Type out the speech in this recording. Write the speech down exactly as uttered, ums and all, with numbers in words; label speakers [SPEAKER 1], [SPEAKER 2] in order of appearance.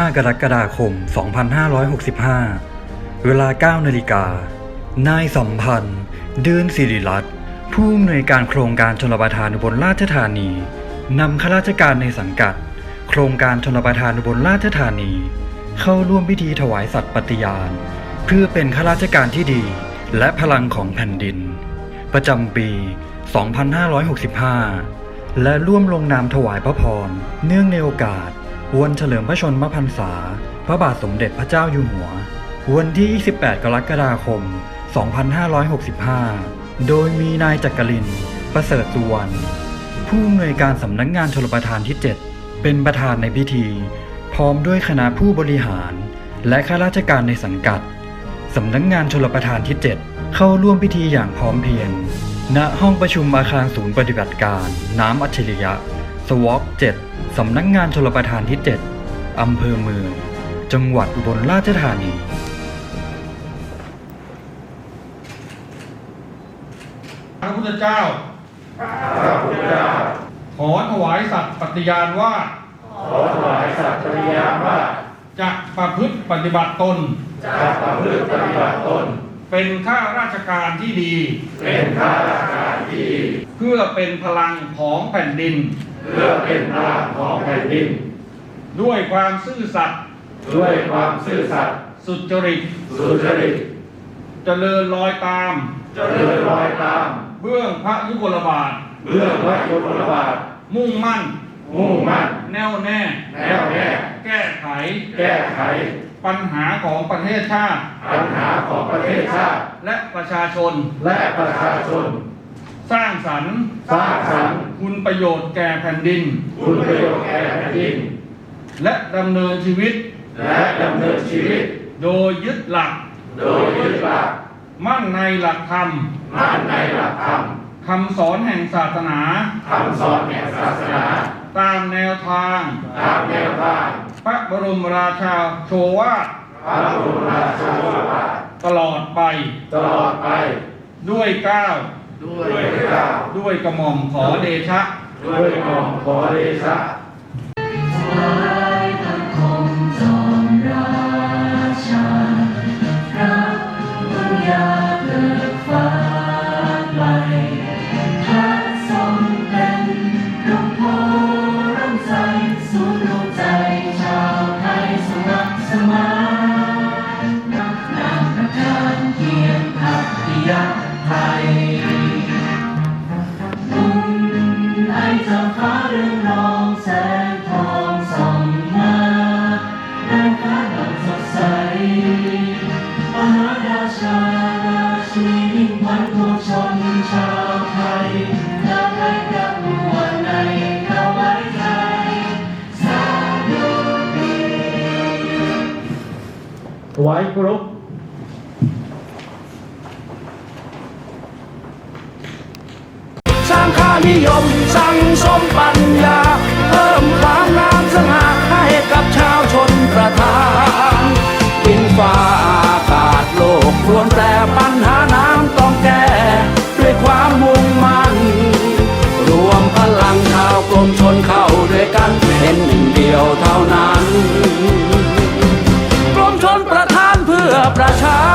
[SPEAKER 1] กรกฎาคม สองพันห้าร้อยหกสิบห้า เวลา เก้า นาฬิกา นายสัมพันธ์ เดือนศิริรัตน์ผู้อำนวยการโครงการชลประทานอุบลราชธานีนำข้าราชการในสังกัดโครงการชลประทานอุบลราชธานีเข้าร่วมพิธีถวายสัตย์ปฏิญาณเพื่อเป็นข้าราชการที่ดีและพลังของแผ่นดินประจำปี สองพันห้าร้อยหกสิบห้า และร่วมลงนามถวายพระพรเนื่องในโอกาสวันเฉลิมพระชนมพรรษาพระบาทสมเด็จพระเจ้าอยู่หัววันที่ ยี่สิบแปด กรกฎาคม สองพันห้าร้อยหกสิบห้า โดยมีนายจักรินทร์ ประเสริฐสุวรรณผู้อำนวยการสำนักงานชลประทานที่ เจ็ด เป็นประธานในพิธีพร้อมด้วยคณะผู้บริหารและข้าราชการในสังกัดสำนักงานชลประทานที่ เจ็ด เข้าร่วมพิธีอย่างพร้อมเพรียงณห้องประชุมอาคารศูนย์ปฏิบัติการน้ำอัจฉริยะสวอปเจ็ดสำนักงานชลประทานที่ เจ็ด อำเภอเมืองจังหวัดอุบลราชธานี
[SPEAKER 2] พระพุทธเจ้าขอถวายสัตย์ปฏิญาณว่า
[SPEAKER 3] ขอถวายสัตย์ปฏิญาณว่า
[SPEAKER 2] จะประพฤติปฏิบัติตน
[SPEAKER 3] จะประพฤติปฏิบัติตน
[SPEAKER 2] เป็นข้าราชการที่ดี
[SPEAKER 3] เป็นข้าราชการที่ดี
[SPEAKER 2] เพื่อเป็นพลังของแผ่นดิน
[SPEAKER 3] เพื่อเป็นพลังของแผ่นดิน
[SPEAKER 2] ด้วยความซื่อสัตย์
[SPEAKER 3] ด้วยความซื่อสัตย์
[SPEAKER 2] สุจริต
[SPEAKER 3] สุจริต
[SPEAKER 2] เจริญรอยตาม
[SPEAKER 3] เจริญรอยตาม
[SPEAKER 2] เบื้องพระยุคลบาท
[SPEAKER 3] เบื้องพระยุคลบาท
[SPEAKER 2] มุ่งมั่น
[SPEAKER 3] มุ่งมั่น
[SPEAKER 2] แน่วแน่
[SPEAKER 3] แน่วแน่
[SPEAKER 2] แก้ไข
[SPEAKER 3] แก้ไข
[SPEAKER 2] ปัญหาของประเทศชาติ
[SPEAKER 3] ปัญหาของประเทศชาติ
[SPEAKER 2] และประชาชน
[SPEAKER 3] และประชาชน
[SPEAKER 2] สร้างสรรค์
[SPEAKER 3] สร้างสรรค์
[SPEAKER 2] คุณประโยชน์แก่แผ่นดิน
[SPEAKER 3] คุณประโยชน์แก่แผ่นดิน
[SPEAKER 2] และดำเนินชีวิต
[SPEAKER 3] และดำเนินชีวิต
[SPEAKER 2] โดยยึดหลัก
[SPEAKER 3] โดยยึดหลัก
[SPEAKER 2] มั่นในหลักธรรม
[SPEAKER 3] มั่นในหลักธรรม
[SPEAKER 2] คำสอนแห่งศาสนา
[SPEAKER 3] คำสอนแห่งศาสนา
[SPEAKER 2] ตามแนวทาง
[SPEAKER 3] ตามแนวทาง
[SPEAKER 2] พระบรมราชาโชวาท
[SPEAKER 3] พระบรมราชาโชวาท
[SPEAKER 2] ตลอดไป
[SPEAKER 3] ตลอดไป
[SPEAKER 2] ด้วยเกล้า
[SPEAKER 3] ด้วยเกล้า
[SPEAKER 2] ด้วยกระหม่อมขอเดชะ
[SPEAKER 3] ด้วยกระหม่อมขอเดชะ
[SPEAKER 2] ถวายเคารพ
[SPEAKER 4] สร้างค่านิยมสั่งสมปัญญาเพิ่มความงามสง่าให้กับชาวชนประทานดินฟ้าอากาศโลกรวนแปรปัญหาน้ำต้องแก้ด้วยความมุ่งมั่นรวมพลังชาวกรมชนเข้าด้วยกันเป็นหนึ่งเดียวเท่านั้นกรมชลประทานเพื่อประชา